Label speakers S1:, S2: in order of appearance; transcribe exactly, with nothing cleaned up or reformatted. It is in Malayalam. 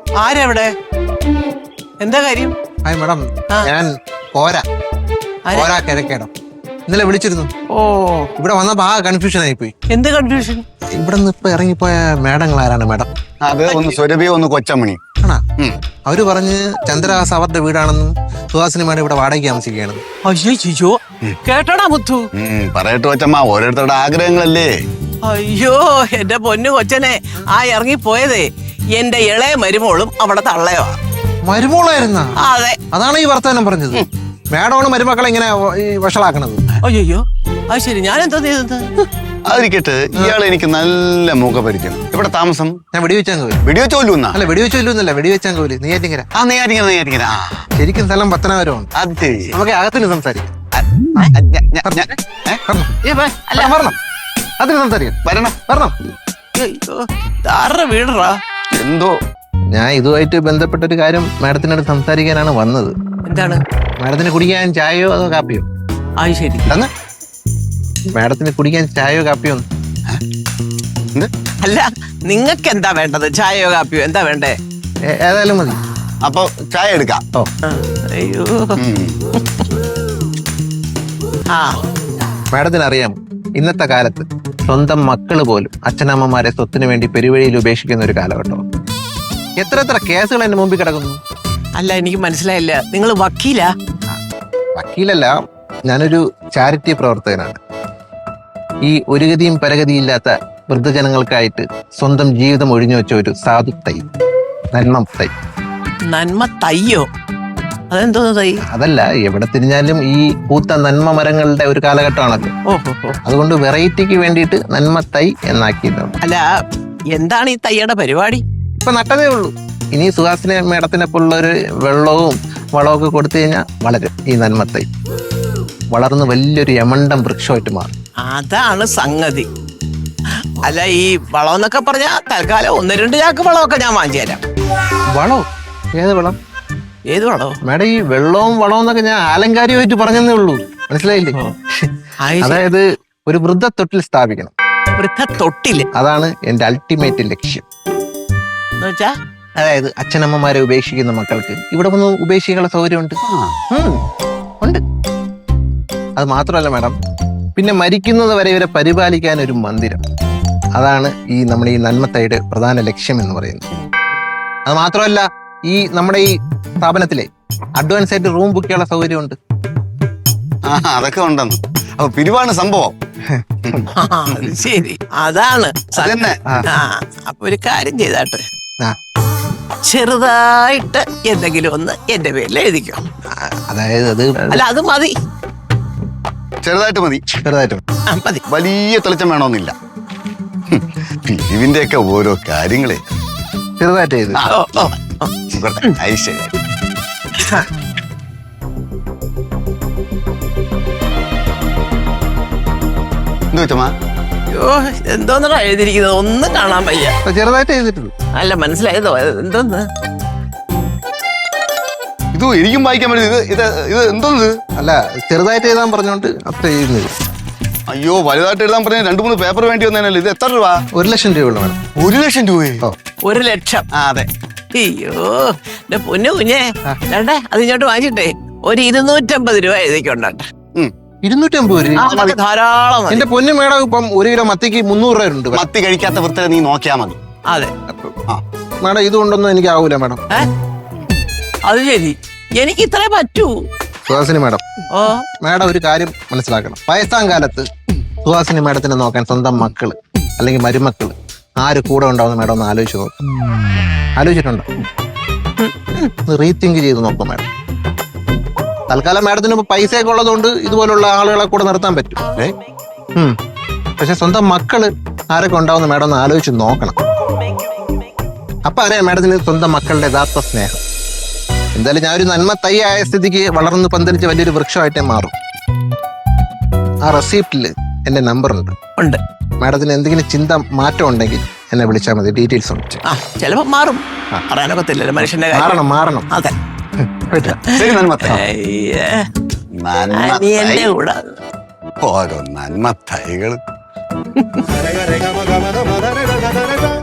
S1: ആരെവിടെ? എന്താ കാര്യം?
S2: ഹായ് മാഡം, ഞാൻ കോര കോര കിഴക്കേടം. ഇന്നലെ വിളിച്ചിരുന്നു.
S1: ഓ,
S2: ഇവിടെ വന്നപ്പോ ആ കൺഫ്യൂഷൻ ആയിപ്പോയി.
S1: എന്ത് കൺഫ്യൂഷൻ?
S2: ഇവിടെ നിന്ന് ഇപ്പൊ ഇറങ്ങിപ്പോയ മേഡങ്ങൾ ആരാണ് മാഡം?
S3: അത് ഒന്ന് സ്വരൂപിയോ ഒന്ന് കൊച്ചമണി.
S2: ആണാ? അവര് പറഞ്ഞ് ചന്ദ്രഹാസ് അവരുടെ വീടാണെന്നും സുഹാസിനി മേഡം ഇവിടെ വാടകയ്ക്ക് താമസിക്കുകയാണെന്നും.
S1: അയ്യോ, കേട്ടോടാ മുത്തു?
S3: പറയട്ടെ കൊച്ചമ്മ, ഓരോരുത്തരുടെ ആഗ്രഹങ്ങളല്ലേ.
S1: അയ്യോ എന്റെ പൊന്നു കൊച്ചനെ, ആ ഇറങ്ങി പോയതേ എന്റെ ഇളയ മരുമോളും അവിടെ തള്ളയോ.
S2: മരുമോളായിരുന്ന?
S1: അതെ.
S2: അതാണ് ഈ വർത്തമാനം പറഞ്ഞത്. മേഡമാണ് മരുമക്കളെ ഇങ്ങനെ വഷളാക്കണത്.
S1: അയ്യോ, അത് ശരി. ഞാൻ എന്താ ചെയ്തത്?
S3: അതിരിക്കട്ടെ, ഇയാൾ എനിക്ക് നല്ല മുഖപരിചയം. ഇവിടെ താമസം?
S2: ഞാൻ വെടിവെച്ചാങ്കോല്.
S3: വെടിവെച്ചോല്ലൂന്നാ?
S2: അല്ല, വെടിവെച്ചോല്ലൂന്നല്ല, വെടിവെച്ചാങ്കോല്, നെയ്യാറ്റിങ്കര.
S3: ആ നെയ്യാറ്റിങ്കര, നെയ്യാറ്റിങ്കര.
S2: ശരിക്കും സ്ഥലം പത്തനാപുരമാണ്.
S3: അത്
S2: നമുക്ക് അകത്തിന് സംസാരിക്കാം. അതിന് സംസാരിക്കാം.
S3: വരണം
S2: വരണം.
S1: ആരുടെ വീടറാ?
S3: എന്തോ
S2: ഞാൻ ഇതുമായിട്ട് ബന്ധപ്പെട്ട ഒരു കാര്യം മാഡത്തിനോട് സംസാരിക്കാനാണ് വന്നത്.
S1: എന്താണ്?
S2: മാഡത്തിന് കുടിക്കാൻ ചായയോ അതോ കാപ്പിയോ?
S1: ആ ശരി.
S2: മാഡത്തിന് കുടിക്കാൻ ചായയോ കാപ്പിയോ?
S1: അല്ല, നിങ്ങൾക്ക് എന്താ വേണ്ടത്? ചായയോ കാപ്പിയോ എന്താ വേണ്ടേ?
S2: ഏതായാലും മതി.
S3: അപ്പൊ ചായ എടുക്കാം.
S2: ഓ,
S1: അയ്യോ. ആ
S2: മാഡത്തിന് അറിയാം, ഇന്നത്തെ കാലത്ത് സ്വന്തം മക്കള് പോലും അച്ഛനമ്മമാരെ സ്വത്തിന് വേണ്ടി പെരുവഴിയിൽ ഉപേക്ഷിക്കുന്ന ഒരു കാലഘട്ടം. എത്ര എത്ര കേസുകൾ എന്റെ മുമ്പിൽ കിടക്കുന്നു.
S1: അല്ല, എനിക്ക് മനസ്സിലായില്ല. നിങ്ങൾ വക്കീലാ?
S2: വക്കീലല്ല, ഞാനൊരു ചാരിറ്റി പ്രവർത്തകനാണ്. ഈ ഒരു ഗതിയും പരഗതിയും ഇല്ലാത്ത വൃദ്ധജനങ്ങൾക്കായിട്ട് സ്വന്തം ജീവിതം ഒഴിഞ്ഞു വെച്ച ഒരു സാധു തൈ, നന്മ തൈ.
S1: നന്മ തയ്യോ? അതെന്തോന്ന് തൈ?
S2: അതല്ല, എവിടെ തിരിഞ്ഞാലും ഈ പൂത്ത നന്മ മരങ്ങളുടെ ഒരു കാലഘട്ടമാണല്ലോ.
S1: ഓഹോ.
S2: അതുകൊണ്ട് വെറൈറ്റിക്ക് വേണ്ടിയിട്ട് നന്മ തൈ എന്നാക്കിയിട്ടുണ്ട്.
S1: അല്ല, എന്താണ് ഈ തൈയുടെ പരിപാടി?
S2: ഇപ്പൊ നട്ടതേ ഉള്ളൂ. ഇനി സുഹാസിനി മേഡത്തിനെ പോലുള്ളൊരു വെള്ളവും വളവും ഒക്കെ കൊടുത്തു കഴിഞ്ഞാൽ വളരും ഈ നന്മ തൈ. വളർന്ന് വലിയൊരു യമണ്ടം വൃക്ഷമായിട്ട് മാറും.
S1: അതാണ് സംഗതി. അല്ല, ഈ വളം എന്നൊക്കെ പറഞ്ഞാൽ തൽക്കാലം ഒന്ന് രണ്ട് ചാക്ക് വളമൊക്കെ ഞാൻ വാങ്ങിച്ചു തരാം.
S2: വളോ? ഏത് വളം?
S1: ഏത് വളോ?
S2: മേഡം, ഈ വെള്ളവും വളവും എന്നൊക്കെ ഞാൻ ആലങ്കാരികമായിട്ട് പറഞ്ഞതേ ഉള്ളൂ, മനസ്സിലായില്ലേ? അതായത് ഒരു വൃദ്ധത്തൊട്ടിൽ സ്ഥാപിക്കണം.
S1: വൃദ്ധത്തൊട്ടില്?
S2: അതാണ് എന്റെ അൾട്ടിമേറ്റ് ലക്ഷ്യം.
S1: എന്നുവെച്ചാ?
S2: അതായത് അച്ഛനമ്മമാരെ ഉപേക്ഷിക്കുന്ന മക്കൾക്ക് ഇവിടെ വന്ന് ഉപേക്ഷിക്കാനുള്ള സൗകര്യമുണ്ട്. ഉണ്ട്. അത് മാത്രമല്ല മാഡം, പിന്നെ മരിക്കുന്നത് വരെ ഇവരെ പരിപാലിക്കാൻ ഒരു മന്ദിരം. അതാണ് ഈ നമ്മുടെ ഈ നന്മത്തയുടെ പ്രധാന ലക്ഷ്യം എന്ന് പറയുന്നത്. അത് മാത്രമല്ല, ഈ നമ്മുടെ ഈ സ്ഥാപനത്തിലെ അഡ്വാൻസ് ആയിട്ട് റൂം ബുക്ക് ചെയ്യാനുള്ള സൗകര്യമുണ്ട്.
S3: ആ, അതൊക്കെ ഉണ്ടെന്ന്. അപ്പൊ പിരിവാണ് സംഭവം.
S1: ശരി, അതാണ്.
S3: അതന്നെ.
S1: അപ്പൊ ഒരു കാര്യം ചെയ്താട്ടെ, ചെറുതായിട്ട് എന്തെങ്കിലും ഒന്ന് എന്റെ പേരിൽ എഴുതിക്കോ.
S2: അതായത് അത്
S1: അല്ല, അത് മതി.
S3: ചെറുതായിട്ട് മതി.
S2: ചെറുതായിട്ട്
S1: മതി.
S3: വലിയ തെളിച്ചം വേണമെന്നില്ല. പിരിവിന്റെ ഒക്കെ ഓരോ കാര്യങ്ങളെ
S2: ചെറുതായിട്ട് ചെയ്ത്.
S3: ഐശ്വര്യ എന്ത് വെച്ചമ്മ?
S1: അയ്യോ, എന്തോന്നാ എഴുതിയിരിക്കുന്നത്? ഒന്നും കാണാൻ വയ്യ.
S2: ചെറുതായിട്ട് ചെയ്തിട്ടുള്ളൂ.
S1: അല്ല, മനസ്സിലായതോ? എന്തോന്ന്?
S3: ഇത് എനിക്കും വായിക്കാൻ പറ്റും. ഇത് ഇത് ഇത് എന്തോന്ന്?
S2: അല്ല, ചെറുതായിട്ട് എഴുതാൻ പറഞ്ഞോണ്ട് അത്ര എഴുതുന്നത്.
S3: അയ്യോ, വലുതായിട്ട് എഴുതാൻ പറഞ്ഞ രണ്ടു മൂന്ന് പേപ്പർ വേണ്ടി വന്നേനല്ലോ. ഇത് എത്ര രൂപ?
S2: ഒരു ലക്ഷം രൂപയുള്ള വേണം.
S3: ഒരു ലക്ഷം രൂപയോ?
S1: ഒരു ലക്ഷം?
S3: ആ, അതെ.
S1: അയ്യോ, എന്റെ പൊന്നു കുഞ്ഞേ, വേണ്ടേ? അത് ഇങ്ങോട്ട് വാങ്ങിച്ചിട്ടേ ഒരു ഇരുന്നൂറ്റമ്പത് രൂപ എഴുതിക്കൊണ്ടേ.
S2: ഇരുന്നൂറ്റി അമ്പത് രൂപ
S1: ധാരാളം.
S2: എന്റെ പൊന്നു മേഡം, ഇപ്പം ഒരു കിലോ മത്തിക്ക് മുന്നൂറ് രൂപ ഉണ്ട്.
S3: മത്തി കഴിക്കാത്ത വൃത്തിയെ നീ നോക്കിയാ മതി.
S1: അതെ
S2: മേഡം, ഇത് കൊണ്ടൊന്നും എനിക്ക് ആവൂല മേഡം.
S1: അത് ശരി, എനിക്ക് ഇത്രേ പറ്റൂ.
S2: സുഹാസിനി മേഡം,
S1: ഓ
S2: മേഡം ഒരു കാര്യം മനസ്സിലാക്കണം. വയസ്സാം കാലത്ത് സുഹാസിനി മേഡത്തിനെ നോക്കാൻ സ്വന്തം മക്കള് അല്ലെങ്കിൽ മരുമക്കള് ആര് കൂടെ ഉണ്ടാവുന്ന മേഡം ഒന്ന് ആലോചിച്ച് നോക്കും. ആലോചിച്ചിട്ടുണ്ടോ? റീതിങ്ക് ചെയ്ത് നോക്കും മേഡം. തൽക്കാലം മേഡത്തിന് ഇപ്പൊ പൈസയൊക്കെ ഉള്ളതുകൊണ്ട് ഇതുപോലുള്ള ആളുകളെ കൂടെ നിർത്താൻ പറ്റും. പക്ഷെ സ്വന്തം മക്കള് ആരൊക്കെ ഉണ്ടാവുന്ന മേഡം ഒന്ന് ആലോചിച്ച് നോക്കണം. അപ്പൊ അറിയാം മേഡത്തിന് സ്വന്തം മക്കളുടെ യഥാർത്ഥ സ്നേഹം. എന്തായാലും ഞാൻ ഒരു നന്മ തൈ ആയ സ്ഥിതിക്ക് വളർന്ന് പന്തലിച്ച് വലിയൊരു വൃക്ഷമായിട്ടേ മാറും. ആ റെസിപ്റ്റില് എന്റെ നമ്പർ ഉണ്ട്
S1: ഉണ്ട്
S2: മാഡത്തിന് എന്തെങ്കിലും ചിന്ത മാറ്റം ഉണ്ടെങ്കിൽ എന്നെ വിളിച്ചാൽ മതി. ഡീറ്റെയിൽസ് ഉണ്ട്.
S1: ചിലപ്പോ മാറും, പറയാനൊക്കത്തില്ലല്ലോ മനുഷ്യന്റെ കാര്യം.
S2: മാറണം മാറണം
S1: അതെ.
S3: ശരി, നന്മത്തൈ.
S1: എന്റെ കൂടെ
S3: ഓരോ നന്മ തൈകൾ.